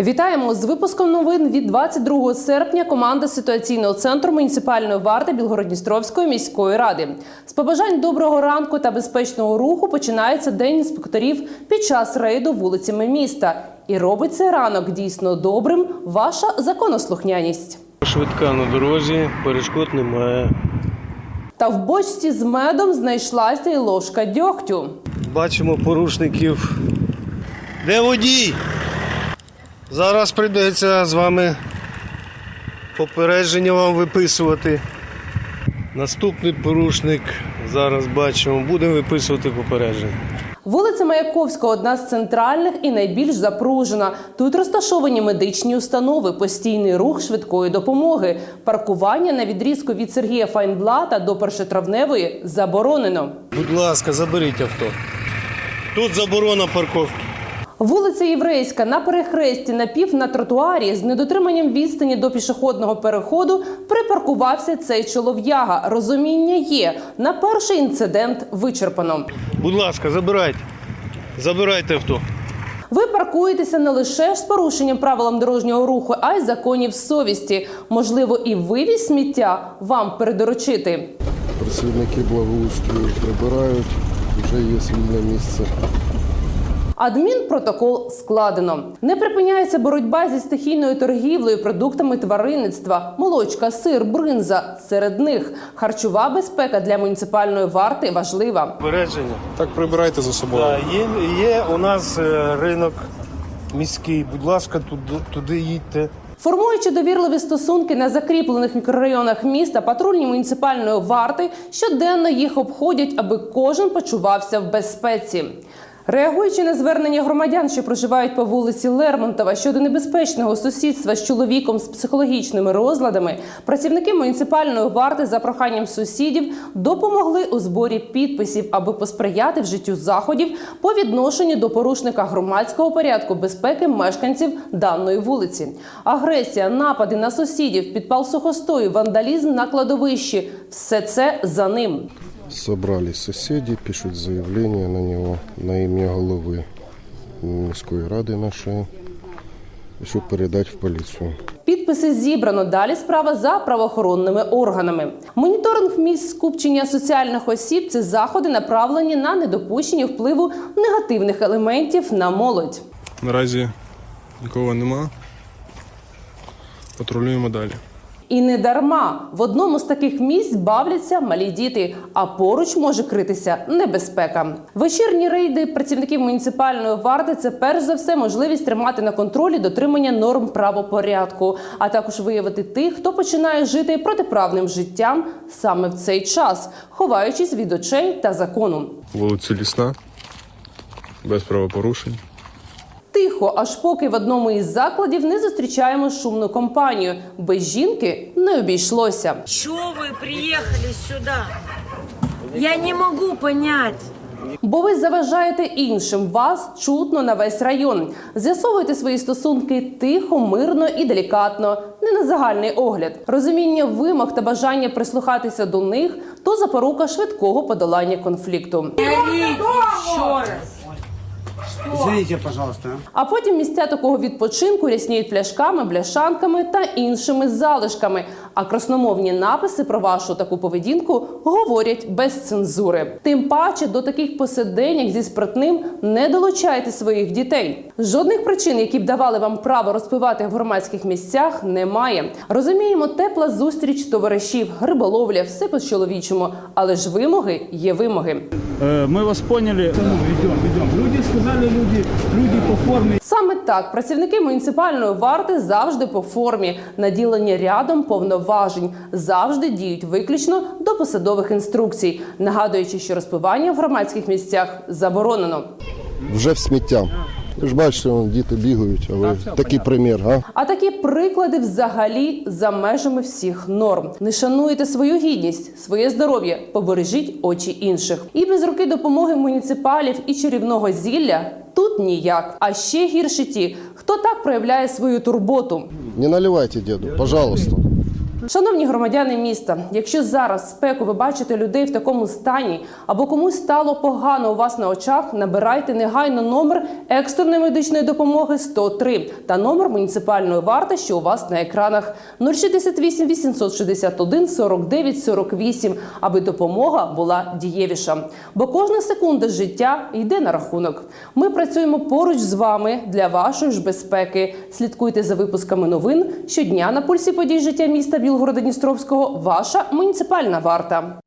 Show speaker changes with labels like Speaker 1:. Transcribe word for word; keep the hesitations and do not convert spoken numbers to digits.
Speaker 1: Вітаємо з випуском новин від двадцять другого серпня. Команда ситуаційного центру муніципальної варти Білгород-Дністровської міської ради. З побажань доброго ранку та безпечного руху починається День інспекторів під час рейду вулицями міста. І робить цей ранок дійсно добрим ваша законослухняність.
Speaker 2: Швидка на дорозі, перешкод немає.
Speaker 1: Та в бочці з медом знайшлася й ложка дьогтю.
Speaker 2: Бачимо порушників. Де водій? Зараз прийдеться з вами попередження вам виписувати. Наступний порушник, зараз бачимо, будемо виписувати попередження.
Speaker 1: Вулиця Маяковського – одна з центральних і найбільш запружена. Тут розташовані медичні установи, постійний рух швидкої допомоги. Паркування на відрізку від Сергія Файнблата до Першотравневої заборонено.
Speaker 2: Будь ласка, заберіть авто. Тут заборона парковки.
Speaker 1: Вулиця Єврейська на перехресті напів на тротуарі з недотриманням відстані до пішохідного переходу припаркувався цей чолов'яга. Розуміння є. На перший інцидент вичерпано.
Speaker 2: Будь ласка, забирайте. Забирайте авто.
Speaker 1: Ви паркуєтеся не лише з порушенням правил дорожнього руху, а й законів совісті. Можливо, і вивіз сміття вам передоручити.
Speaker 3: Працівники благоустрою прибирають, вже є вільне місце.
Speaker 1: Адмінпротокол складено. Не припиняється боротьба зі стихійною торгівлею продуктами тваринництва. Молочка, сир, бринза. Серед них харчова безпека для муніципальної варти важлива.
Speaker 2: Попередження.
Speaker 3: Так прибирайте за собою.
Speaker 2: Да, є, є у нас е, ринок міський. Будь ласка, туди, туди їдьте.
Speaker 1: Формуючи довірливі стосунки на закріплених мікрорайонах міста, патрульні муніципальної варти щоденно їх обходять, аби кожен почувався в безпеці. Реагуючи на звернення громадян, що проживають по вулиці Лермонтова щодо небезпечного сусідства з чоловіком з психологічними розладами, працівники муніципальної варти за проханням сусідів допомогли у зборі підписів, аби посприяти вжиттю заходів по відношенню до порушника громадського порядку безпеки мешканців даної вулиці. Агресія, напади на сусідів, підпал сухостою, вандалізм на кладовищі – все це за ним.
Speaker 3: Собрались соседи, пишут заявление на него на имя головы міської ради нашої, щоб передати в поліцію.
Speaker 1: Підписи зібрано. Далі справа за правоохоронними органами. Моніторинг місць скупчення соціальних осіб – це заходи, направлені на недопущення впливу негативних елементів на молодь.
Speaker 4: Наразі нікого нема. Патрулюємо далі.
Speaker 1: І не дарма. В одному з таких місць бавляться малі діти, а поруч може критися небезпека. Вечірні рейди працівників муніципальної варти – це перш за все можливість тримати на контролі дотримання норм правопорядку, а також виявити тих, хто починає жити протиправним життям саме в цей час, ховаючись від очей та закону.
Speaker 4: Вулиця Лісна, без правопорушень.
Speaker 1: Тихо, аж поки в одному із закладів не зустрічаємо шумну компанію. Без жінки не обійшлося.
Speaker 5: Чого ви приїхали сюди? Я не можу зрозуміти.
Speaker 1: Бо ви заважаєте іншим, вас чутно на весь район. З'ясовуйте свої стосунки тихо, мирно і делікатно, не на загальний огляд. Розуміння вимог та бажання прислухатися до них – то запорука швидкого подолання конфлікту.
Speaker 5: Ще раз.
Speaker 6: Извините, пожалуйста.
Speaker 1: А потім місця такого відпочинку рясніють пляшками, бляшанками та іншими залишками. А красномовні написи про вашу таку поведінку говорять без цензури. Тим паче до таких посиденьок зі спиртним не долучайте своїх дітей. Жодних причин, які б давали вам право розпивати в громадських місцях, немає. Розуміємо, тепла зустріч товаришів, риболовля, все по-чоловічому. Але ж вимоги є вимоги.
Speaker 6: Мы вас поняли. Ведем, ведем. Люди сказали, люди, люди по форме.
Speaker 1: Саме так, працівники муніципальної варти завжди по формі, наділені рядом повноважень, завжди діють виключно до посадових інструкцій, нагадуючи, що розпивання в громадських місцях заборонено.
Speaker 3: Вже в сміття. Ви ж бачите, вон, діти бігають, а ви такий примір, а?
Speaker 1: А такі приклади взагалі за межами всіх норм. Не шануєте свою гідність, своє здоров'я, побережіть очі інших. І без руки допомоги муніципалів і чарівного зілля тут ніяк. А ще гірше ті, хто так проявляє свою турботу.
Speaker 3: Не наливайте, діду, пожалуйста.
Speaker 1: Шановні громадяни міста, якщо зараз в спеку ви бачите людей в такому стані або комусь стало погано у вас на очах, набирайте негайно номер екстреної медичної допомоги сто три та номер муніципальної варти, що у вас на екранах нуль шістдесят вісім вісімсот шістдесят один сорок дев'ять сорок вісім, аби допомога була дієвіша. Бо кожна секунда життя йде на рахунок. Ми працюємо поруч з вами для вашої ж безпеки. Слідкуйте за випусками новин щодня на пульсі подій життя міста Білгорода-Дністровського. Ваша муніципальна варта.